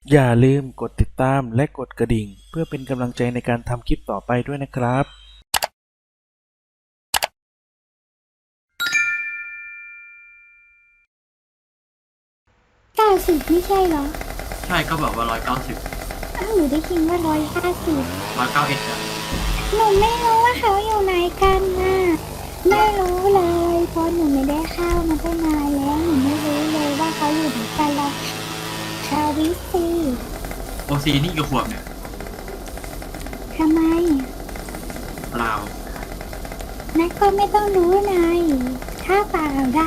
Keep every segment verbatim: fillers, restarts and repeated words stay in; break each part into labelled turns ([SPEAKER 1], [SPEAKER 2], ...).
[SPEAKER 1] อย่าลืมกดติดตามและกดกระดิ่งเพื่อเป็นกำลังใจในการทำคลิปต่อไปด้วยนะครับ
[SPEAKER 2] เก้าสิบไม่ใช่เหรอ
[SPEAKER 3] ใช่ก็บอกว่าร้อยเก้าสิบ
[SPEAKER 2] อ้าวหนูได้ยินว่าร้อยห้าสิบ
[SPEAKER 3] ร้อยเก้าเอ็ดอะ
[SPEAKER 2] หนูไม่รู้ว่าเขาอยู่ไหนกันน่ะไม่รู้เลยเพราะหนูไม่ได้เข้ามาตั้งนานแล้วหนูไม่รู้เลยว่าเขาอยู่ไหนกันหรอกชาวิซี
[SPEAKER 3] โอซีนี่กี่ขวบเนี่ย
[SPEAKER 2] ทำไม
[SPEAKER 3] เปล่า
[SPEAKER 2] นักก็ไม่ต้องรู้นายถ้าเปล่าได้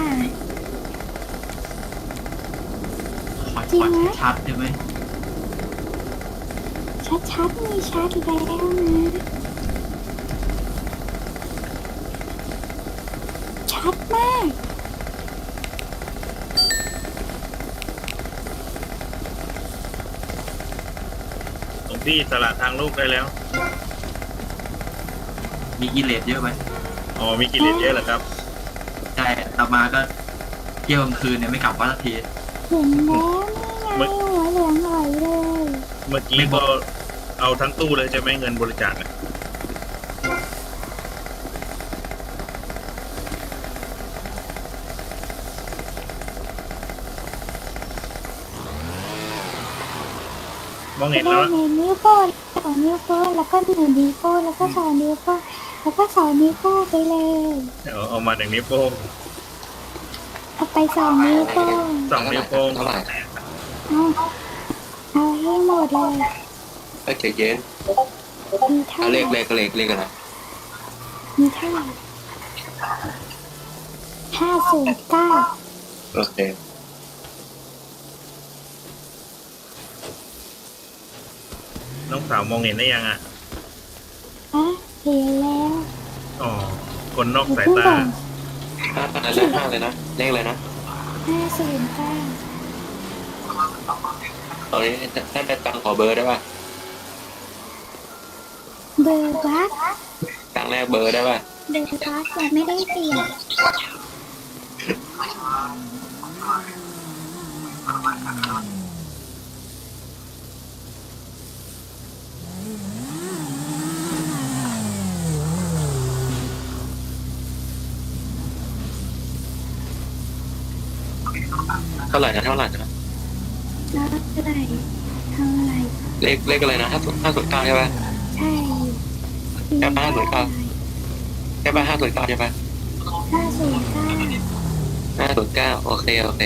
[SPEAKER 3] ขอขอชัดๆได้ไหม
[SPEAKER 2] ชัดๆมีชัดแล้วนะชัดมาก
[SPEAKER 4] หลวงพี่สละทางลูกได้แล้ว
[SPEAKER 3] มีกิเลสเยอะไหม
[SPEAKER 4] อ๋อมีกิเลสเยอะเหรอครับ
[SPEAKER 3] ใช่ต่อมาก็เที่ยวกลางคืนเนี่ยไม่กลับวัดสักที
[SPEAKER 2] เห็นแล้วนี่ไงหัวเหลืองอ่อยเลย
[SPEAKER 4] เมื่อกี้ก็เอาทั้งตู้เลยใช่ไหมเงินบริจาคมองเห็นแล้ว
[SPEAKER 2] หนึ่งนิ้วโป้งสองนิ้วโป้งแล้วก็หนึ่งนิ้วโป้งแล้วก็สองนิ้วโป้งแล้วก็สองนิ้วโป้งไปเลย
[SPEAKER 4] เอาเอามาหนึ่งนิ้วโป้ง
[SPEAKER 2] เอาไปสองนิ้วโป้ง
[SPEAKER 4] สองนิ้วโป้งเท่าไหร่
[SPEAKER 2] เอาเอาให้หมดเลย
[SPEAKER 5] เอ้ยใจเย็น
[SPEAKER 2] มีเท่า
[SPEAKER 5] เลขเลขเลขเลขอะไร
[SPEAKER 2] มีเท่าไหร่ห้าศูนย์เก้า
[SPEAKER 5] โอเค
[SPEAKER 4] น้องสาวมองเห็นได้ยังอ่ะ
[SPEAKER 2] อ่ะเห็นแล้ว
[SPEAKER 4] อ๋อคนนอกสายตา
[SPEAKER 5] ห้าเลขห้าเลยนะเลขเลยนะ
[SPEAKER 2] ห้าศูนย์เก้า
[SPEAKER 5] ตอนนี้ถ้าได้ตังขอเบอร์ได้ป่ะ
[SPEAKER 2] เบอร์วัด
[SPEAKER 5] ตังแรกเบอร์ได้ป่ะ
[SPEAKER 2] เบอร์วัดแต่ไม่ได้เปลี่ยน
[SPEAKER 5] เท่าไหร่นะเท่าไหร่นะ
[SPEAKER 2] เท่าไหร่เท่าไหร่
[SPEAKER 5] เลขเลขอะไรนะห้าห้าศูนย์เก้าใช่ป่ะ
[SPEAKER 2] ใช่
[SPEAKER 5] ใช่ป่ะห้าศูนย์เก้าใช่ป่ะห้าศูนย์เก้าใช่ป่ะ
[SPEAKER 2] ห้าศูนย์เก้า
[SPEAKER 5] ห้าศูนย์เก้าโอเคโอเค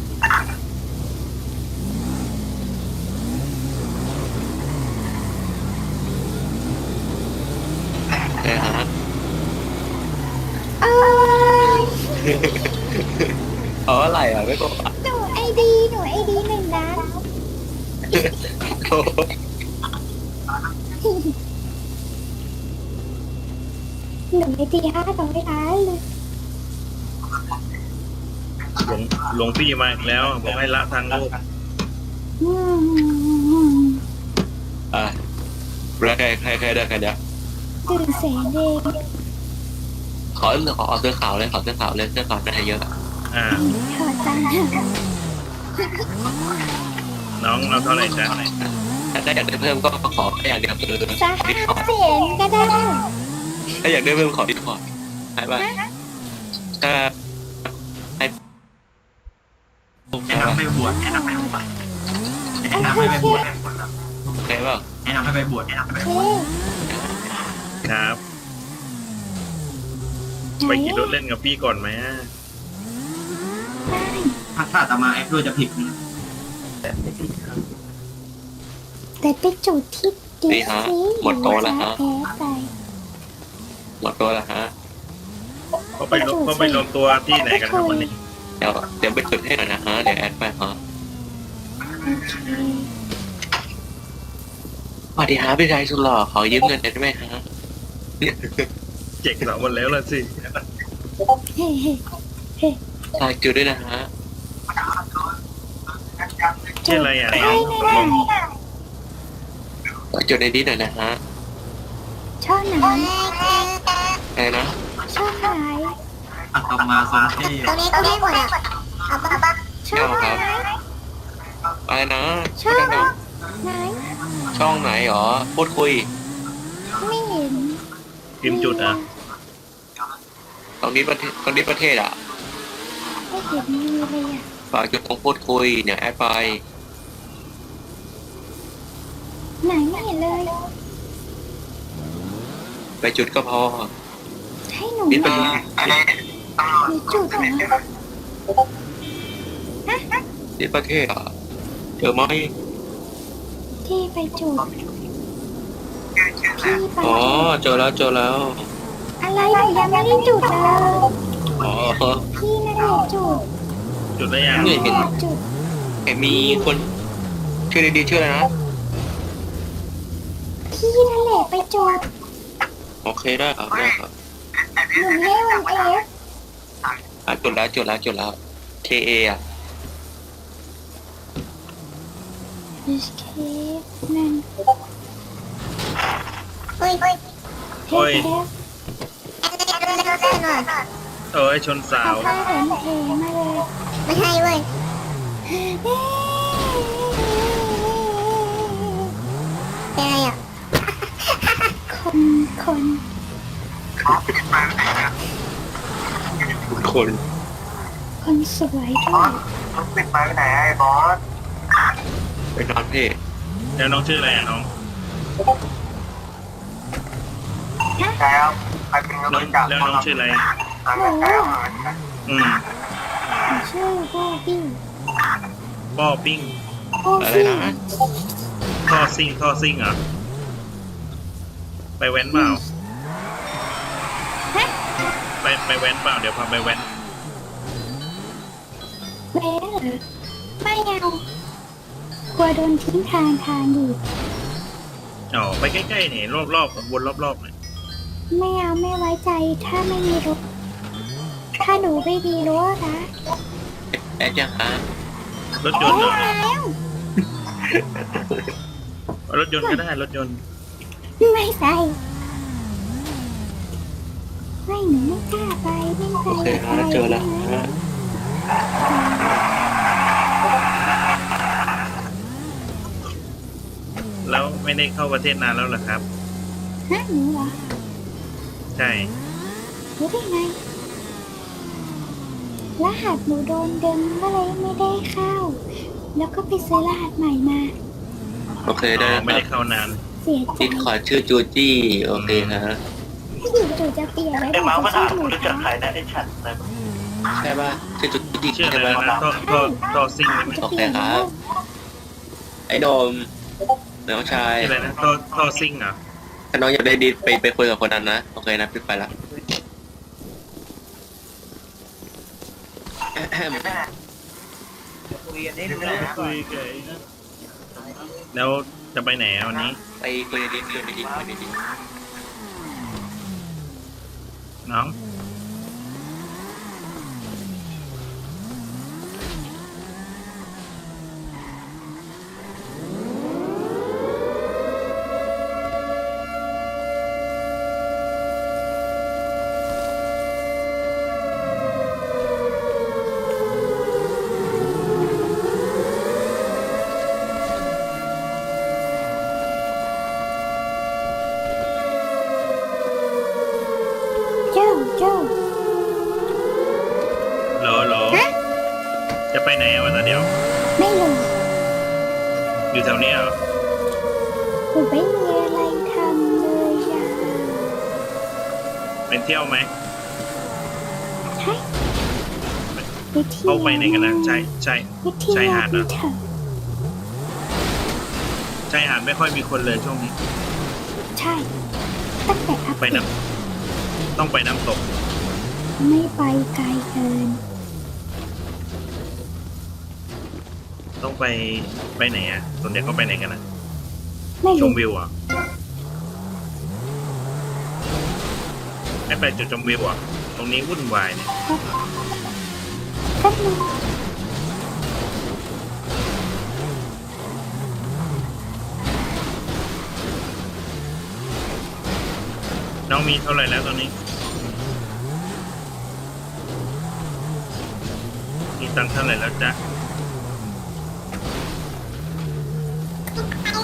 [SPEAKER 5] เออฮะเอาอะไรอ่ะไม่บอก
[SPEAKER 2] หนูไอดีหนูไอดีหนึ่งนะหนูไอดีห้าสองล้านเลย
[SPEAKER 4] หลวงหลวงพี่มาอีกแล้วบอกให้ละทางลูก
[SPEAKER 5] อ่ะแล้วใครใครใครได้ใครเดียว
[SPEAKER 2] ตื่นแสงเดง
[SPEAKER 5] ขอขอเสื้อขาวเลยขอเสื้อขาวเลยเสื้อขาวได้เยอะ
[SPEAKER 4] อ่า
[SPEAKER 2] ถอดตังค์
[SPEAKER 4] น้องเอาเท่าไหร่จ๊ะ
[SPEAKER 5] ถ้าอยากได้เพิ่มก็ขอแค่อย่างเดียวคือ
[SPEAKER 2] สักห้าเสียงก็ได้
[SPEAKER 5] ถ้าอยากได้เพิ่มขอดิสคอร์ดใช่ป่ะถ้าให้
[SPEAKER 3] แนะนำให้บวชแนะนำให้บวชแนะนำให้ไปบวช
[SPEAKER 5] โอเคเปล่า
[SPEAKER 3] แนะนำให้ไปบวชแนะนำให้ไปบวช
[SPEAKER 4] ครับไปขี่รถเล่นกับพี่ก่อนไหม
[SPEAKER 3] ถ้าถ้าตามาแอคด้วยจะผิดนะ
[SPEAKER 2] แต่ไม่ผิดครับแต่ไปจุดที่ดีสิ
[SPEAKER 5] หมดโตแล้วฮะ
[SPEAKER 2] แพ้ไป
[SPEAKER 5] หมดโตแล้วฮะ
[SPEAKER 4] เขาไปเขาไปรวมตัวที่ไหนกันครับวันนี้
[SPEAKER 5] เดี๋ยวเดี๋ยวไปจุดให้หน่อยนะฮะเดี๋ยวแอดไปฮะสวัสดีฮะพี่ชายสุดหล่อขอยืมเงินได้ไหมฮะ
[SPEAKER 4] เจ็กสาววันแล้วล่ะสิ
[SPEAKER 2] เฮ้เฮ้เฮ้
[SPEAKER 5] ฝากจุดด้วยนะฮะ
[SPEAKER 4] ชื่ออะไรอ่ะ
[SPEAKER 5] ฝากจุดในนี้หน่อยนะฮะ
[SPEAKER 2] ช่องไหน
[SPEAKER 5] อะไรนะ
[SPEAKER 2] ช่องไหน
[SPEAKER 3] อัตมาสอนที่
[SPEAKER 2] ตรงนี้ตรงนี้หมดอ่ะช่องไหน
[SPEAKER 5] ไปนะ
[SPEAKER 2] ช่องไหน
[SPEAKER 5] ช่องไหนหรอพูดคุย
[SPEAKER 2] ไม่เห็น
[SPEAKER 4] พิมพ์จุดอ่ะ
[SPEAKER 5] ตรงนี้ประเทศตรงนี้ประเทศอ่ะ
[SPEAKER 2] ไม่เห็นมีเลยอ่ะ
[SPEAKER 5] ฝากจุดตรงพูดคุยเนี่ยแอดไป
[SPEAKER 2] ไหนไม่เห็นเลย
[SPEAKER 5] ไปจุดก็พอ
[SPEAKER 2] ให้หนู
[SPEAKER 5] นี่เป็น
[SPEAKER 2] หนูจุดเหรอ
[SPEAKER 5] นี่ประเทศอ่ะเจอไหม
[SPEAKER 2] ที่ไปจุดพี่ไป
[SPEAKER 5] อ๋อเจอแล้วเจอแล้ว
[SPEAKER 2] อะไรหนูยังไม่ได้จุดเลย
[SPEAKER 5] อ๋อ
[SPEAKER 2] พี่นั่นแหละจุด
[SPEAKER 4] จุดแล้วยัง
[SPEAKER 5] นี่เห็น
[SPEAKER 2] จุด
[SPEAKER 5] เห็นมีคนชื่อดีๆชื่ออะไรนะ
[SPEAKER 2] พี่นั่นแหละไปจุด
[SPEAKER 5] โอเคได้ครับได้ครับ
[SPEAKER 2] หนูให้วันเอฟ
[SPEAKER 5] อ่ะจุดแล้วจุดแล้วจุดแล้ว เค เอ อ่ะ
[SPEAKER 2] ดิสเคฟนั่นเฮ้ยเฮ้ย
[SPEAKER 4] โอ้ย
[SPEAKER 2] เทป
[SPEAKER 4] โอ้ยชนสา
[SPEAKER 2] เอา
[SPEAKER 4] ว
[SPEAKER 2] ผ้าแผ่นเทมาเลยไม่ให้เว้ยเป็นอะไรอ่ะคนคน
[SPEAKER 5] คน
[SPEAKER 2] คนสวยด้วย
[SPEAKER 5] เป็นนอนเพศ
[SPEAKER 4] แล้วน้องชื่ออะไรอ่ะน้อง น้องแล้วน้องชื่ออะไร
[SPEAKER 2] หนู
[SPEAKER 4] อืม
[SPEAKER 2] หนูชื่อโบบี้
[SPEAKER 4] ป้อปิ้ง
[SPEAKER 2] โบ
[SPEAKER 5] อะไร
[SPEAKER 2] บี้
[SPEAKER 5] นะ
[SPEAKER 4] ท่อซิ่งท่อซิ่งเหรอ ไปแว้นเปล่า
[SPEAKER 2] ฮะ
[SPEAKER 4] ไปไปแว้นเปล่า เดี๋ยวพาไปแว้น
[SPEAKER 2] เบ๊เหรอไม่เอากลัวโดนทิ้งทางทางอยู่
[SPEAKER 4] อ๋อ ไปใกล้ๆนี่รอบๆวนรอบๆหน่อย
[SPEAKER 2] ไม่เอาไม่ไว้ใจถ้าไม่มีรถถ้าหนูไม่มีรถนะ
[SPEAKER 5] แอดยังฮะ
[SPEAKER 4] รถยนต์เหรอ
[SPEAKER 2] แล้ว
[SPEAKER 4] รถยนต์ก็ได้รถยนต์
[SPEAKER 2] ไม่ใส่ไม่หนูไม่กล้าไปไม่ไป
[SPEAKER 5] โอเคฮะเจอแล้วฮะ
[SPEAKER 4] แล้วไม่ได้เข้าประเทศนานแล้วเหรอครับ
[SPEAKER 2] ฮะหนูเหรอ
[SPEAKER 4] ใช่
[SPEAKER 2] รู้ได้ไงรหัสหนูโดนเดิมก็เลยไม่ได้เข้า แล้วก็ไปซื้อรหัสใหม่มา
[SPEAKER 5] โอเคได้
[SPEAKER 4] อ๋อ
[SPEAKER 5] แล้ว
[SPEAKER 4] ไม่
[SPEAKER 5] ค
[SPEAKER 4] ได้
[SPEAKER 5] รับ
[SPEAKER 4] เข้านาน
[SPEAKER 2] เสียใจ
[SPEAKER 5] ดิสคอร์ดชื่อจูจี้โอเคฮะ
[SPEAKER 2] อยู่จู่จะเปลี่ยนแล้วเดี๋ยวจะชื่อหนูนะ
[SPEAKER 5] ใช่ป่ะชื่อจูจี้
[SPEAKER 4] ชื่ออะ
[SPEAKER 5] ใช่
[SPEAKER 4] ไร
[SPEAKER 5] ป่ะ
[SPEAKER 4] นะท่อท่อท่อซิ่ง
[SPEAKER 2] จะเปลี่ยนแล้ว
[SPEAKER 5] ไอ้โดมน้องชาย
[SPEAKER 4] ชื่ออะไรนะท่อท่อซิ่งเหรอ
[SPEAKER 5] ถ้าน้องอยากได้ดิสไปไปคุยกับคนนั้นนะโอเคนะพี่ไปละแอะแฮม
[SPEAKER 4] แล้วจะไปไหนอ่ะวันนี้
[SPEAKER 5] ไปคุยในดิสคุยในดิสคุยในดิส
[SPEAKER 4] น้อง
[SPEAKER 2] เจ้าเจ้า
[SPEAKER 4] โหลโหล
[SPEAKER 2] ฮะ
[SPEAKER 4] จะไปไหนอ่ะวันนี้เดี๋ยว
[SPEAKER 2] ไม่รู้
[SPEAKER 4] อยู่แถวนี้เหรอ
[SPEAKER 2] หนูไม่มีอะไรทำเลยอ่ะ
[SPEAKER 4] เป็นเที่ยวไหม
[SPEAKER 2] ใช่ไปเที่ยว
[SPEAKER 4] เข้าไปไหนกันนะใช่ใช่
[SPEAKER 2] ไปเที่ยว
[SPEAKER 4] ชายหาดเหรอ
[SPEAKER 2] เถอะ
[SPEAKER 4] ชายหาดไม่ค่อยมีคนเลยช่วงนี้
[SPEAKER 2] ใช่ตั้งแต่อัพ
[SPEAKER 4] ไปน้ำต้องไปน้ำตก
[SPEAKER 2] ไม่ไปไกลเกิน
[SPEAKER 4] ต้องไปไปไหนอ่ะส่วนใหญ่เขาไปไหนกันนะ
[SPEAKER 2] ไม่
[SPEAKER 4] ช
[SPEAKER 2] รู้
[SPEAKER 4] มวิวเหรอ่ะไม่ไปจุดชมวิวเหรอ่ะตรงนี้วุ่นวายเนี่ย
[SPEAKER 2] ก็รู้
[SPEAKER 4] น้องมีเท่าไหร่แล้วตอนนี้ มีตังค์เท่าไหร่แล้วจ๊ะ
[SPEAKER 2] เอา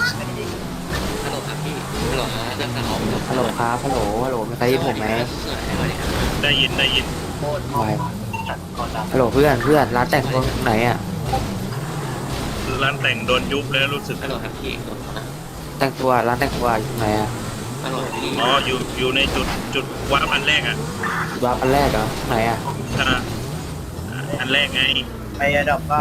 [SPEAKER 6] ฮัลโหลครับฮัลโหลฮัลโหลมีใครได้ยินผมไหม
[SPEAKER 4] ได้ยินได้ยิน
[SPEAKER 6] ไม่ฮัลโหลเพื่อนเพื่อนร้านแต่งตัวตรงไหนอ่ะ
[SPEAKER 4] ร้านแต่งโดนยุบแล้วรู้สึก
[SPEAKER 5] ฮัลโหลครับพี่
[SPEAKER 6] แต่งตัวร้านแต่งตัวอยู่ตรงไหนอ่ะ
[SPEAKER 5] ฮัลโหลพี่
[SPEAKER 4] อ๋ออยู่อยู่ในจุดจุดวาร์ปอันแรกอ่ะ
[SPEAKER 6] วาร์ปอันแรกเหรอตรงไหนอ่ะ
[SPEAKER 4] อ่าอันแรกไง
[SPEAKER 7] ไปอะดอกเปล่า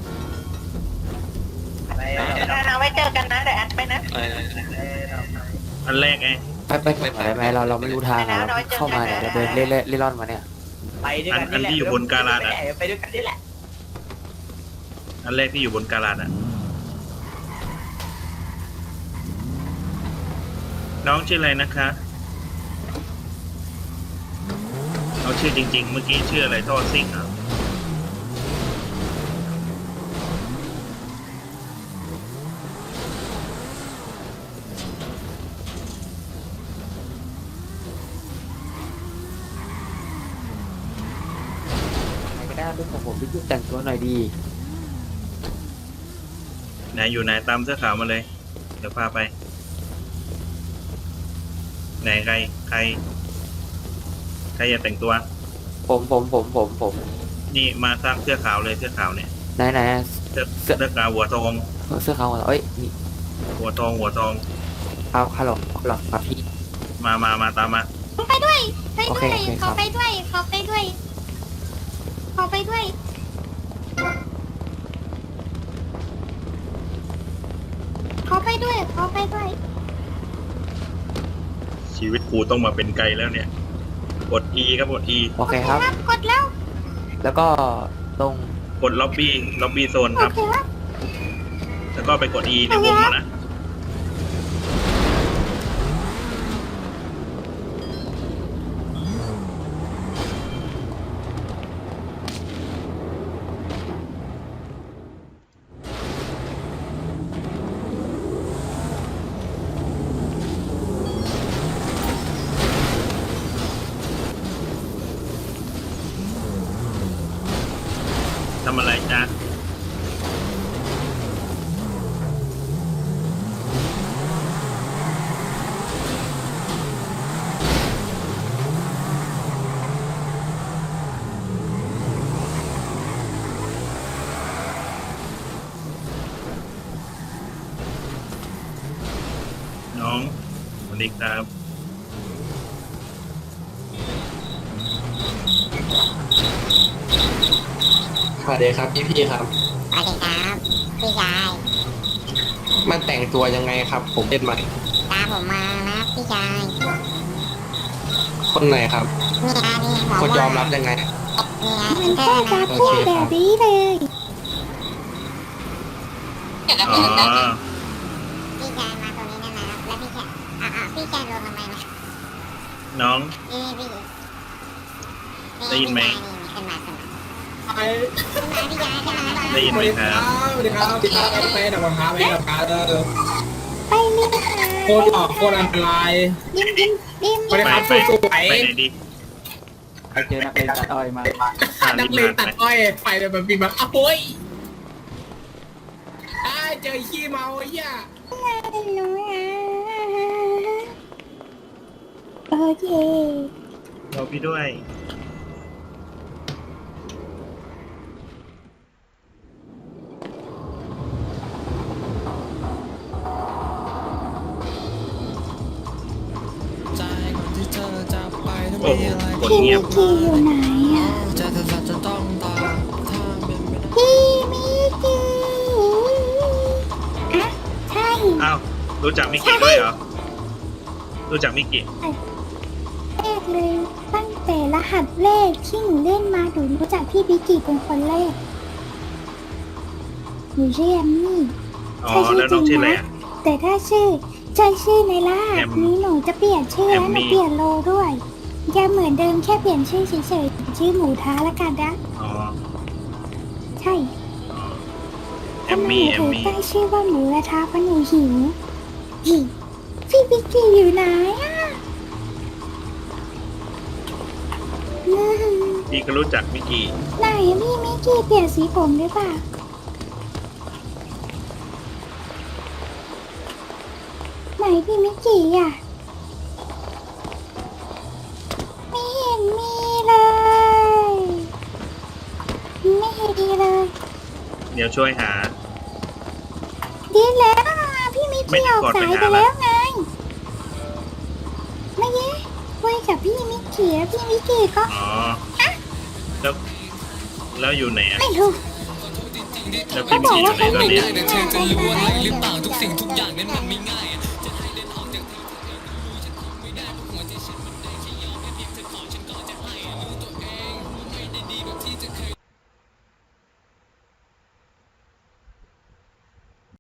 [SPEAKER 7] ไปอะดอก
[SPEAKER 8] เอาไว้เจอกันนะเดี๋ยวแอดไปนะ
[SPEAKER 5] เออ
[SPEAKER 7] ไปอะดอก
[SPEAKER 4] อันแรกไง
[SPEAKER 6] ไปไปก่อนได้ไหมเราเราไม่รู้ทางอ่ะเราเข้ามาเนี่ยเราเดินเล่เล่เล่ร่อนมาเนี่ย
[SPEAKER 7] ไปด้วย
[SPEAKER 4] อั
[SPEAKER 7] กัน น
[SPEAKER 4] อัน
[SPEAKER 7] นี่แหละ
[SPEAKER 4] ที่อยู่บนกาลาดอ่ะ
[SPEAKER 7] ไปด้วยกันนี่แหละ
[SPEAKER 4] อันแรกที่อยู่บนกาลาดอ่ะน้องชื่ออะไรนะคะเอาชื่อจริง ๆ เมื่อกี้ชื่ออะไรท่อซิ่งอ่ะ
[SPEAKER 6] ใครก็ได้เป็นของผมที่ยุ่งแต่งตัวหน่อยดี
[SPEAKER 4] ไหนอยู่ไหนตามเสื้อขาวมาเลย เดี๋ยวพาไป ไหนใครใครใครอยากแต่งตัว
[SPEAKER 6] ผมผมผมผมผม
[SPEAKER 4] นี่มาสร้างเสื้อขาวเลยเสื้อขาวเนี่ย
[SPEAKER 6] ไหนไหน
[SPEAKER 4] เสื้อเสื้อขาวหัวทอง
[SPEAKER 6] เสื้อขาวเหรอเอ้ยนี่
[SPEAKER 4] หัวทองหัวทอง
[SPEAKER 6] เอาฮัลโหลฮัลโหลครับพี่
[SPEAKER 4] มามามาตามมา
[SPEAKER 2] ไปด้วยไป
[SPEAKER 6] โอ
[SPEAKER 2] ด้
[SPEAKER 6] เค
[SPEAKER 2] วย
[SPEAKER 6] โอเคค
[SPEAKER 2] ข
[SPEAKER 6] รั
[SPEAKER 2] อบ ไปด้วยขอไปด้วยขอไปด้วยขอไปด้วยขอไปด้วย
[SPEAKER 4] ชีวิตกูต้องมาเป็นไกลแล้วเนี่ยกด E ครับกด E
[SPEAKER 6] โอเคครับ
[SPEAKER 2] กดแล้ว
[SPEAKER 6] แล้วก็ตรง
[SPEAKER 4] กดล็อบบี้ล็อบบี้โซน
[SPEAKER 2] โอ
[SPEAKER 4] ครับ
[SPEAKER 2] เคครับ
[SPEAKER 4] แล้วก็ไปกด E ในวงอะนะ ทำอะไรจ๊ะ น้องสวัสดีครับ
[SPEAKER 5] สวัสดีครับพี่พี่ครับ
[SPEAKER 2] สวัสดีครับพี่ชาย
[SPEAKER 5] มันแต่งตัวยังไงครับ ผมเล่นใหม่
[SPEAKER 2] ตามผมมานะพี่ชาย
[SPEAKER 5] คนไหนครับ
[SPEAKER 2] นี่นะนี่หมอ
[SPEAKER 5] คนยอมรับยังไง
[SPEAKER 2] มันก็จะพูดแบบนี้เลย
[SPEAKER 4] อ๋อ
[SPEAKER 2] พี่ชายมาตรงนี้นะนะแล้วพี่ชายอ่ะอ่ะพี่ชายลงทำไมนะ
[SPEAKER 4] น้อง
[SPEAKER 2] นี่พี่
[SPEAKER 4] ได้ยินไหม
[SPEAKER 2] ขึ้นมาขึ้นมา
[SPEAKER 7] ไป
[SPEAKER 2] ขึ้นมาพี่ชายขึ้นมา
[SPEAKER 4] ได้ยินไหมครับ
[SPEAKER 7] สวัสดีครับสวัสดีครับไปดับบังคับไปดับคับเออ
[SPEAKER 2] ไปนี่ค่ะ
[SPEAKER 7] โคตรหล่อโคตรอันตราย
[SPEAKER 2] ดิมดิมดิม
[SPEAKER 7] สวัสดี
[SPEAKER 4] ไป
[SPEAKER 7] ครับ
[SPEAKER 4] ไป
[SPEAKER 7] สวย
[SPEAKER 4] ไปไหนดี
[SPEAKER 6] ไปเจอนักเลงตัดอ้อยมา
[SPEAKER 4] อ่า
[SPEAKER 7] นั
[SPEAKER 4] รี
[SPEAKER 7] ก
[SPEAKER 4] บ
[SPEAKER 7] เลง
[SPEAKER 4] มา
[SPEAKER 7] ตัด
[SPEAKER 4] ไป
[SPEAKER 7] อ้อยไปเลยแบบมีแบบอ้าวโอ้ยอ้ายเจอขี้เมาไอ้เหี้ย
[SPEAKER 2] หนูอ่ะโอเค
[SPEAKER 4] รอพี่ด้วย โอ้โหกด
[SPEAKER 2] พี่
[SPEAKER 4] เงี
[SPEAKER 2] มิ
[SPEAKER 4] ยบ
[SPEAKER 2] กกี้อยู่ไหนอ่ะพี่มิกกี้อ่ะใช่
[SPEAKER 4] อ้าว รู้จักมิกกี้ด้วยเหรอ รู้จักมิกกี้
[SPEAKER 2] แรกเลยตั้งแต่รหัสแรกที่หนูเล่นมาหนูรู้จักพี่มิกกี้เป็นคนแรกหนูชื่อแอมมี่
[SPEAKER 4] อ๋อ แล้วน้องชื่ออะไรอ่ะ
[SPEAKER 2] แต่ถ้าชื่อใช่ชื่อในรหั
[SPEAKER 4] แอ
[SPEAKER 2] ส
[SPEAKER 4] ม
[SPEAKER 2] นี้หนูจะเปลี่ยนชื่อแล้ว
[SPEAKER 4] แอม
[SPEAKER 2] ห
[SPEAKER 4] มี่
[SPEAKER 2] นูเปลี่ยนโลด้วยยังเหมือนเดิมแค่เปลี่ยนชื่อเฉยๆชื่อหมูท้าละกันนะ
[SPEAKER 4] อ๋อ
[SPEAKER 2] ใช่
[SPEAKER 4] อ๋อแอ
[SPEAKER 2] ทำ
[SPEAKER 4] ม
[SPEAKER 2] ไม
[SPEAKER 4] มี่
[SPEAKER 2] ห
[SPEAKER 4] แอ
[SPEAKER 2] นู
[SPEAKER 4] ม
[SPEAKER 2] ถึง
[SPEAKER 4] มี่
[SPEAKER 2] ตั้งชื่อว่าหมูกระทะเพราะหนูหิวหิวพี่บิ๊กกี้อยู่ไหนอ่ะอืม
[SPEAKER 4] พี่ก็รู้จักมิกกี้
[SPEAKER 2] ไหนพี่มิกกี้เปลี่ยนสีผมหรือเปล่าไหนพี่มิกกี้อ่ะ
[SPEAKER 4] เดี๋ยวช่วยหา
[SPEAKER 2] ดีแล้วอ่ะพี่มิก
[SPEAKER 4] ไม่
[SPEAKER 2] กี้
[SPEAKER 4] ได้
[SPEAKER 2] ออก
[SPEAKER 4] กด
[SPEAKER 2] สา
[SPEAKER 4] ไป
[SPEAKER 2] ย
[SPEAKER 4] หา
[SPEAKER 2] ไป
[SPEAKER 4] ละ
[SPEAKER 2] แล้วไงไม่เย้คุยกับพี่มิกกี้แล้วพี่มิกกี้ก็
[SPEAKER 4] อ๋อแล้วแล้วอยู่ไหนอะ
[SPEAKER 2] ไม่รู้
[SPEAKER 4] แล้ว
[SPEAKER 2] เขา
[SPEAKER 4] พี่
[SPEAKER 2] บ
[SPEAKER 4] มี
[SPEAKER 2] อก
[SPEAKER 4] อยู่
[SPEAKER 2] ว่า
[SPEAKER 4] ไหน
[SPEAKER 2] เขา
[SPEAKER 4] ตอน
[SPEAKER 2] ไม่
[SPEAKER 4] เนี้
[SPEAKER 2] ได้
[SPEAKER 4] ย
[SPEAKER 2] เธอจะรู้อะไรหรือเปล่า